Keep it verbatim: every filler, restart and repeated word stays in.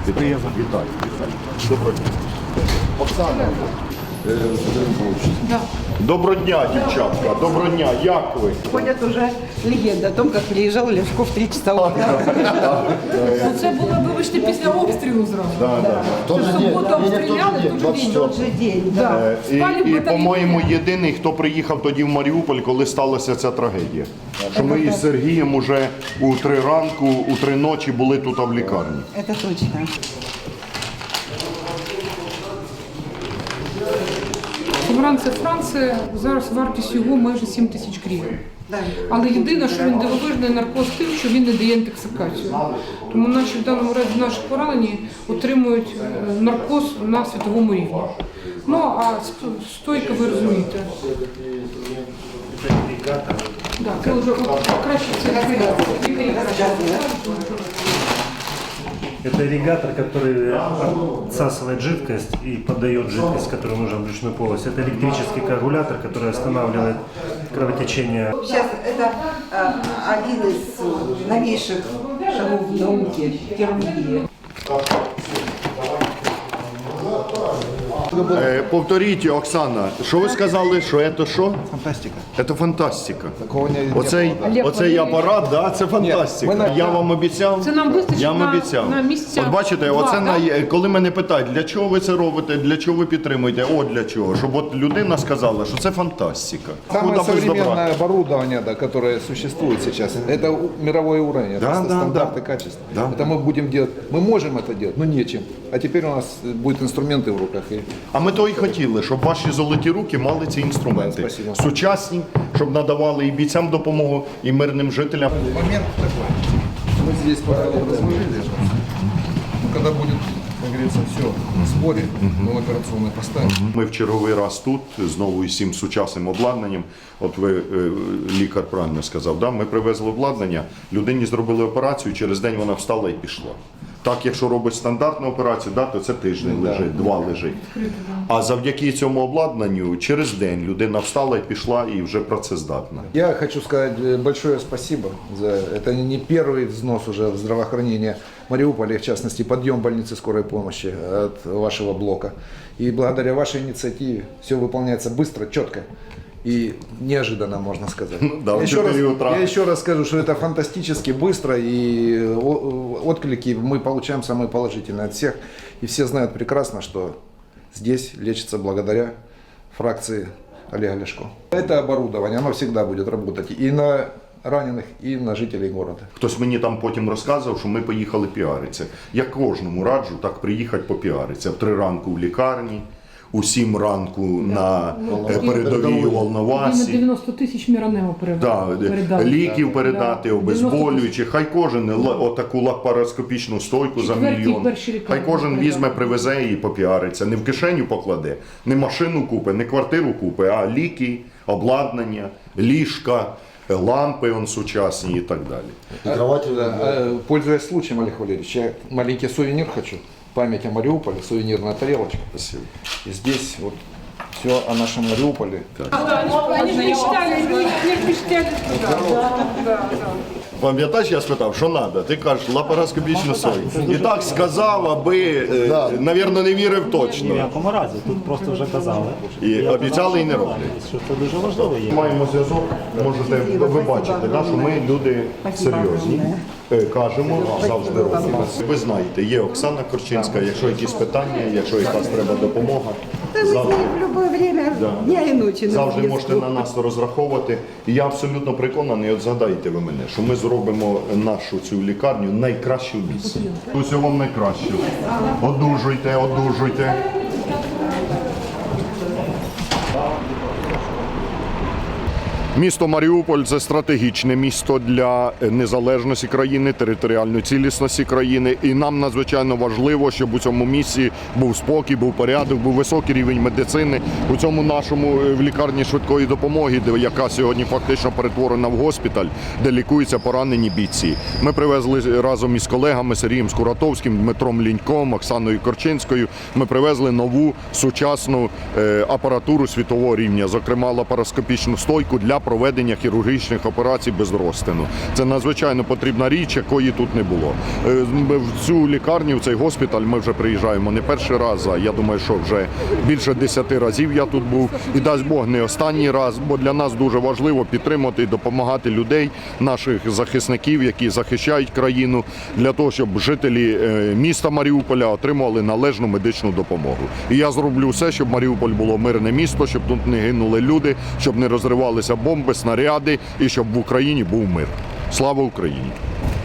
Вітаю, вітаю. Доброго дня. Оксана, е, Да. доброго дня, дівчатка. Доброго дня. Як ви? Ходят уже легенды о том, как приезжал Ляшко в три часа утра. Ну, це було, вибачте, після обстрілу зразу. Да, да. Тож суботу обстріляли, тут же В тот же день, да. Да. Е, Спали в І, і батальйоні. по-моєму, єдиний, хто приїхав тоді в Маріуполь, коли сталася ця трагедія. Що ми із Сергієм уже у три ранку, у три ночі були тут в лікарні. Это точно. Франція, це Франція, зараз вартість його майже сім тисяч гривень. Але єдине, що він дивовижний наркоз тим, що він не дає інтоксикацію. Тому наші в даному разі наші поранені отримують е, наркоз на світовому рівні. Ну, а сто- стойка ви розумієте. Да, це вже краще це Это ирригатор, который отсасывает жидкость и подает жидкость, которая нужна в брюшную полость. Это электрический коагулятор, который останавливает кровотечение. Сейчас это э, один из новейших шагов в науке, хирургии. Е, повторіть, Оксана, що ви сказали, що це що? Фантастика. Це фантастика. Такого не, не Оцей, было, да. оцей апарат, да, це фантастика. Ні, ми на- Я вам обіцяв. Це нам вистачить Я вам на- обіцяв. на місяця От бачите, два, оце да? на, коли мене питають, для чого ви це робите, для чого ви підтримуєте, о, для чого. Щоб от людина сказала, що це фантастика. Самое Куда без добра? современное оборудование, да, которое существует сейчас, это у- мировой уровень, Да, это да, стандарты да. качества. Да, это да. мы будем делать. Мы можем это делать, но нечем. А теперь у нас будут инструменты в руках. И А ми то і хотіли, щоб ваші золоті руки мали ці інструменти. Да, спасибо. Сучасні, щоб надавали і бійцям допомогу, і мирним жителям. момент такой. Мы здесь пока вот разложили. Но когда будет, как говорится, все на сборе, мы в операционной поставим. Ми в черговий раз тут, знову із цим сучасним обладнанням. От ви, е, лікар правильно сказав, да? Ми привезли обладнання, людині зробили операцію, через день вона встала і пішла. Так, якщо робить стандартну операцію, да, то це тиждень лежить, два лежить. А завдяки цьому обладнанню через день людина встала і пішла, і вже працездатна. Я хочу сказать э, большое спасибо за это не первый взнос уже в здравоохранение Мариуполя, в частности подъем больницы скорой помощи от вашего блока. И благодаря вашей инициативе все выполняется быстро, четко и неожиданно, можно сказать. да, в я, еще раз, четыре утра. я еще раз скажу, что это фантастически быстро, и о- отклики мы получаем самые положительные от всех. И все знают прекрасно, что здесь лечится благодаря фракции Олега Ляшко. Это оборудование, оно всегда будет работать и на раненых, и на жителей города. Хтось мені там потім розказував, що ми поїхали піаритися. Я кожному раджу так приїхати попіаритися. В три ранку в лікарні, у сім ранку на е, передовій у Він Волновасі. дев'яносто тисяч міронемо Да, передав. ліків передати, Да. обезболюючи. Хай кожен ла- отаку лапароскопічну стойку за Четверті мільйон. перші лікарні Хай кожен передати. візьме, привезе і попіариться. Не в кишеню покладе, не машину купи, не квартиру купи, а ліки, обладнання, ліжка, лампи он сучасні і так далі. Да, а, пользуясь случаем, Олег Валерьевич, я маленький сувенир хочу. Память о Мариуполе, сувенирная тарелочка. Спасибо. И здесь вот все о нашем Мариуполе. Они ж мечтали, они ж мечтали туда. Да, да. Пам'ятаєш, я спитав, що треба? Ти кажеш, лапароскопічну сою. І так сказав, аби, е, навірно, не вірив Ні в точно. якому разі, тут просто вже казали. І Я обіцяли, і не казав, роблять. що це дуже важливо є. Маємо зв'язок, можете ви бачите, да, що ми люди серйозні. Е, Кажемо, завжди робимо. Ви знаєте, є Оксана Корчинська, якщо якісь питання, якщо якась треба допомога, Да мы с завжди, ней в любое время Да. дня и ночи на завжди связку. можете на нас розраховувати. І я абсолютно переконаний, от згадайте ви мене, що ми зробимо нашу цю лікарню найкращу в місті. Усього вам найкращого. Одужуйте, одужуйте. Місто Маріуполь – це стратегічне місто для незалежності країни, територіальної цілісності країни. І нам надзвичайно важливо, щоб у цьому місці був спокій, був порядок, був високий рівень медицини. У цьому нашому в лікарні швидкої допомоги, де- яка сьогодні фактично перетворена в госпіталь, де лікуються поранені бійці. Ми привезли разом із колегами Сергієм Скуратовським, Дмитром Ліньком, Оксаною Корчинською. Ми привезли нову сучасну е, апаратуру світового рівня, зокрема лапароскопічну стойку для проведення хірургічних операцій без розтину. Це надзвичайно потрібна річ, якої тут не було. Е, Ми в цю лікарню, в цей госпіталь ми вже приїжджаємо не перший раз, а я думаю, що вже більше десяти разів я тут був. І дасть Бог не останній раз, бо для нас дуже важливо підтримати і допомагати людей, наших захисників, які захищають країну, для того, щоб жителі е, міста Маріуполя отримували належну медичну допомогу. І я зроблю все, щоб Маріуполь було мирне місто, щоб тут не гинули люди, щоб не розривалися бомби, снаряди і щоб в Україні був мир. Слава Україні!